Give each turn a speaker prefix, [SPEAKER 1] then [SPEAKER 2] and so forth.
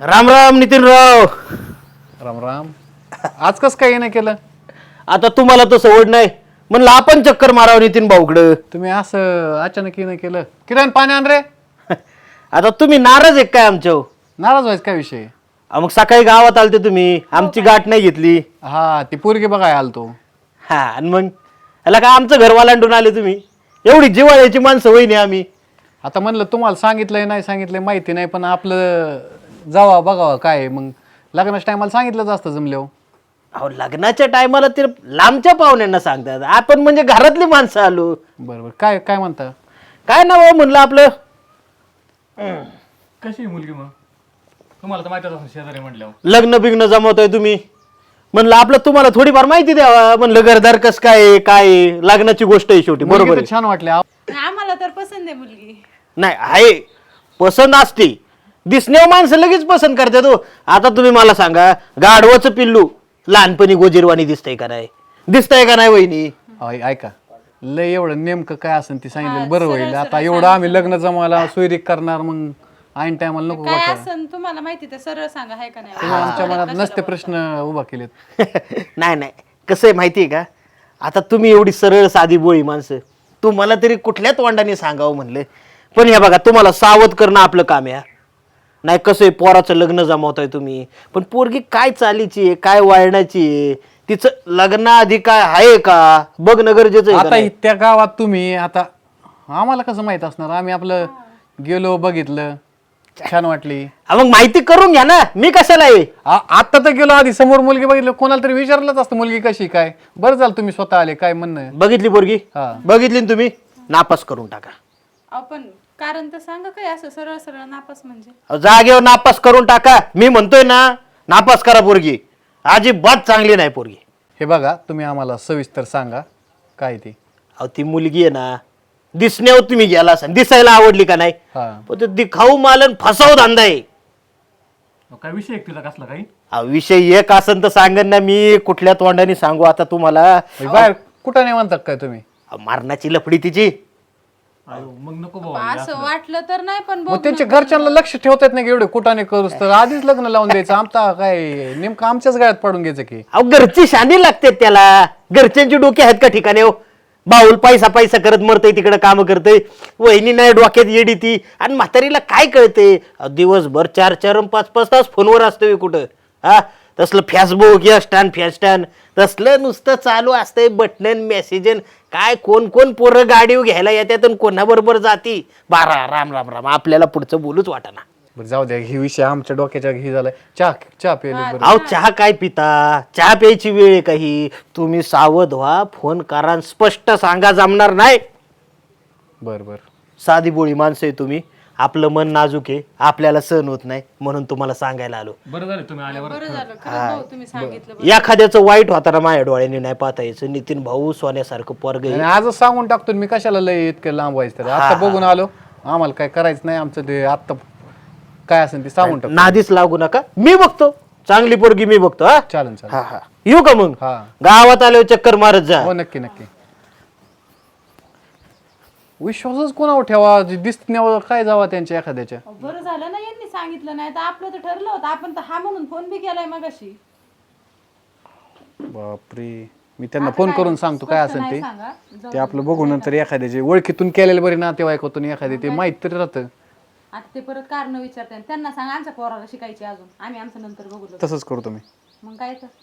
[SPEAKER 1] राम राम नितीनराव.
[SPEAKER 2] राम राम. आज कस काय नाही केलं
[SPEAKER 1] आता तुम्हाला तर सवड नाही म्हणलं आपण चक्कर मारावं नितीन भाऊकडं.
[SPEAKER 2] तुम्ही? असं अचानक नाही केलं. किरण पाणी आण रे.
[SPEAKER 1] आता तुम्ही नाराज आहे काय आमच्या?
[SPEAKER 2] नाराज व्हायचं काय विषय?
[SPEAKER 1] मग सकाळी गावात आलते तुम्ही, आमची गाठ नाही घेतली.
[SPEAKER 2] हा ती पोरगी बघाय आलतो.
[SPEAKER 1] हा आणि मग याला काय आमचं घर वालांडून आले तुम्ही? एवढी जिव्हाळ्याची माणसं वहिनी आम्ही.
[SPEAKER 2] आता म्हणलं तुम्हाला सांगितलंय नाही सांगितलंय माहिती नाही, पण आपलं जावा बघावा काय. मग लग्नाच्या टायमाला सांगितलंच असतं जमल्यावर.
[SPEAKER 1] अहो लग्नाच्या टायमाला ते लांबच्या पाहुण्यांना सांगतात, आपण म्हणजे घरातली माणसं आलो.
[SPEAKER 2] बरोबर. काय काय म्हणता?
[SPEAKER 1] काय नाव म्हणलं आपलं?
[SPEAKER 3] कशी मुलगी मग? तुम्हाला तर माहितीच असेल शेजारी म्हटल्यावर.
[SPEAKER 1] लग्न बिग्न जमवतोय तुम्ही म्हणलं आपलं तुम्हाला थोडीफार माहिती द्यावा म्हणलं, घरदार कस काय काय लग्नाची गोष्ट आहे शेवटी.
[SPEAKER 2] मुलगी
[SPEAKER 1] बरोबर
[SPEAKER 2] तर
[SPEAKER 1] आहे.
[SPEAKER 2] छान वाटले.
[SPEAKER 4] आम्हाला तर पसंत आहे मुलगी.
[SPEAKER 1] नाही आहे पसंत असते, दिसण्यावर माणसं लगेच पसंत करतात हो. आता तुम्ही मला सांगा, गाढवाचं पिल्लू लहानपणी गोजीरवाणी दिसतंय का नाही? दिसतंय का नाही वहिनी?
[SPEAKER 2] ऐका, लय एवढं नेमकं काय असेल ती सांगितलं बरं होईल. आता एवढं आम्ही लग्न जमायला सोयरीक करणार, मग ऐन टायमाला नको
[SPEAKER 4] काय
[SPEAKER 2] वाटायला.
[SPEAKER 4] असं तुम्हाला माहिती तर सरळ सांगा, आहे का नाही?
[SPEAKER 2] तुम्ही आमच्या मनात नसते प्रश्न उभा केलेत.
[SPEAKER 1] नाही नाही, कसं आहे माहिती आहे का, आता तुम्ही एवढी सरळ साधी बोळी माणसं, तुम्हाला तरी कुठल्या तोंडाने सांगावं म्हणलं. पण हे बघा, तुम्हाला सावध करणं आपलं काम आहे. नाही कसं आहे, पोराचं लग्न जमवताय तुम्ही, पण पोरगी काय चालीची आहे, काय वळणाची आहे, तिचं लग्नाआधी काय आहे का बघणं गरजेचं आहे का
[SPEAKER 2] आता
[SPEAKER 1] नाही?
[SPEAKER 2] त्या गावात तुम्ही, आता आम्हाला कसं माहित असणार? आम्ही आपलं गेलो, बघितलं, छान वाटली.
[SPEAKER 1] मग माहिती करून घ्या ना, मी कशाला आहे.
[SPEAKER 2] आता तर गेलो, आधी समोर मुलगी बघितलं, कोणाला तरी विचारलंच असतं मुलगी कशी काय. बरं झालं तुम्ही स्वतः आले. काय म्हणणं आहे?
[SPEAKER 1] बघितली पोरगी?
[SPEAKER 2] हा.
[SPEAKER 1] बघितली ना तुम्ही? नापास करून टाका.
[SPEAKER 4] आपण कारण तर सांगा काय असं सरळ सरळ नापास म्हणजे.
[SPEAKER 1] जागेवर नापास करून टाका. मी म्हणतोय ना, नापास करा पोरगी. अजिबात चांगली नाही पोरगी.
[SPEAKER 2] हे बघा, तुम्ही आम्हाला सविस्तर सांगा काय ती.
[SPEAKER 1] अहो ती मुलगी आहे ना, दिसण्यावर तुम्ही गेला असाल, दिसायला आवडली का नाही,
[SPEAKER 2] हा.
[SPEAKER 1] पण ते दिखाऊ मालन फसाव धंदा आहे.
[SPEAKER 3] काय विषय आहे तिला कसला काही?
[SPEAKER 1] विषय एक असन तर सांगन ना मी, कुठल्या तोंडाने सांगू आता तुम्हाला.
[SPEAKER 2] बाहेर कुठं नाही म्हणतात काय तुम्ही?
[SPEAKER 1] मारण्याची लफडी तिची.
[SPEAKER 3] मग नको
[SPEAKER 4] असं वाटलं तर नाही, पण
[SPEAKER 2] मग त्यांच्या घरच्यांना लक्ष ठेवता येत नाही का एवढे कुठाने करूस तर? आधीच लग्न लावून द्यायचं. आमचा काय नेमकं आमच्याच गळ्यात पडून घ्यायचं की?
[SPEAKER 1] अहो घरची शानी लागते त्याला. घरच्यांची डोके आहेत का ठिकाणी हो? बाऊल पैसा पैसा करत मरतय, तिकडे काम करतय. वहिनी नाही डोक्यात येडी ती, आणि म्हातारीला काय कळते? दिवसभर 4-4 आणि 5-5 तास फोनवर असतोय कुठं. हा तसलं फेसबुक या स्टॅन फॅस्टॅन तसलं नुसतं चालू असतंय, बटन मेसेजन. काय कोण कोण पोरं गाडीवर घ्यायला येतात आणि कोणाबरोबर जाती. बारा राम राम राम, आपल्याला पुढचं बोलूच वाटाना.
[SPEAKER 2] बरं जाऊ द्या, ही विषय आमच्या डोक्याच्या घी झालाय. चहा प्यायला बरं.
[SPEAKER 1] अहो चहा काय पिता? चहा प्यायची वेळ आहे काही? तुम्ही सावध व्हा, फोन करा आणि स्पष्ट सांगा, जमणार नाही.
[SPEAKER 2] बरं बरं.
[SPEAKER 1] साधी बोळी माणसं आहे तुम्ही, आपलं मन नाजूक आहे, आपल्याला सहन होत नाही म्हणून तुम्हाला सांगायला आलो.
[SPEAKER 3] बरं झालं तुम्ही आल्यावर.
[SPEAKER 4] बरं झालं खरं भाऊ तुम्ही सांगितलं.
[SPEAKER 1] एखाद्याचं वाईट होताना माझ्या डोळ्याने नाही पाहता यायचं. नितीन भाऊ सोन्यासारखं पोरग
[SPEAKER 2] आणि आजच सांगून टाकतो मी, कशाला लय इतकं लांब व्हायचं? तर आता बघून आलो, आम्हाला काय करायचं नाही. आमचं ते आत्ता काय असेल ते सांगून टाकतो.
[SPEAKER 1] नादीच लागू नका, मी बघतो चांगली पोरगी, मी बघतो. हा
[SPEAKER 2] चालेल चालेल.
[SPEAKER 1] हा हा, येऊ का मग?
[SPEAKER 2] हा.
[SPEAKER 1] गावात आल्यावर चक्कर मारत जा.
[SPEAKER 2] हो नक्की नक्की. विश्वासच कोणावर ठेवा? दिसण्यावर काय जावा त्यांच्या एखाद्याच्या?
[SPEAKER 4] बरं झालं ना यांनी सांगितलं, नाही तर आपलं तर ठरलं होतं. आपण तर हा म्हणून फोन बी केलाय मगाशी.
[SPEAKER 2] बापरे, मी त्यांना फोन करून सांगतो काय असेल ते.
[SPEAKER 4] सांगा
[SPEAKER 2] ते आपलं बघू नंतर एखाद्याचे ओळखीतून केलेले बरे, नातेवाईकातून एखादे ते माहित तरी राहतं.
[SPEAKER 4] आता ते परत कारण विचारते, त्यांना सांगा आमच्या पोराला शिकायची अजून, आम्ही आमचं नंतर बघू.
[SPEAKER 2] तसंच करतो मी.
[SPEAKER 4] मग काय तर